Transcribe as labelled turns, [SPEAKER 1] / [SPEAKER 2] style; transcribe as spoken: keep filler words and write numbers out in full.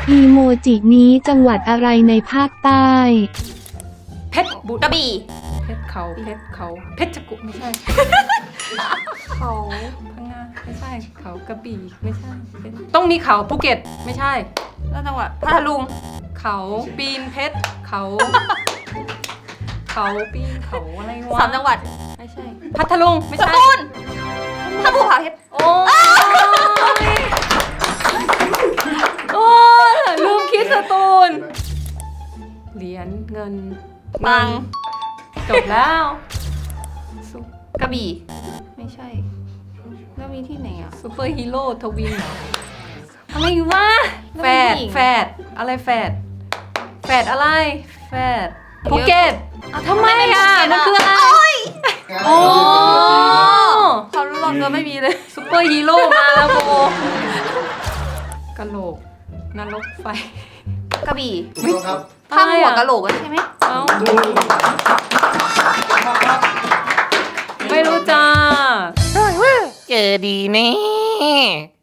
[SPEAKER 1] อีโมจินี้จังหวัดอะไรในภาคใต้
[SPEAKER 2] เพชรบุรีกระบี่เพชรเขาเพชรเขาเพชรกุไม่ใช่ เขาพังงาไม่ใช่เขากระบี่ไม่ใช่ต้องมีเขาภูเก็ตไม่ใช่แล้วจังหวัดพัทลุงเขาปีนเพชรเขา เขาปีนเขาอะไรวะ
[SPEAKER 3] สามจังหวัด
[SPEAKER 2] ไม่ใช่พัทลุงไม่
[SPEAKER 3] ส
[SPEAKER 2] ใช่
[SPEAKER 3] ตูลถ้าภูผาเพชร
[SPEAKER 2] โอ้ยโอ้ยลืมคิดสตูลเหรียญเงิน
[SPEAKER 3] ปัง
[SPEAKER 2] จบแล้วซุป
[SPEAKER 3] กระบี่ไม่ใช่แล้วมีที่ไหนอ่ะ
[SPEAKER 2] ซูเปอร์ฮีโร่ทวินเหรอ
[SPEAKER 3] อะไรวะ
[SPEAKER 2] แฝดแฝดอะไรแฝดแฝดอะไรแฝดภูเก็ตอ่ะทำไมอ่ะมันคืออะไรโอ้
[SPEAKER 3] ความรู้รอบตัวไม่มีเลย
[SPEAKER 2] ซูเปอร์ฮีโร่มาแล้วโบกะโหลกนรกไฟ
[SPEAKER 3] กระบี่
[SPEAKER 4] ถูกต้องครับ
[SPEAKER 3] ข้ามหัวกะโหลกอะใช่ไหม
[SPEAKER 2] เอ้าไม่รู้จ้า
[SPEAKER 5] เจอดีแน่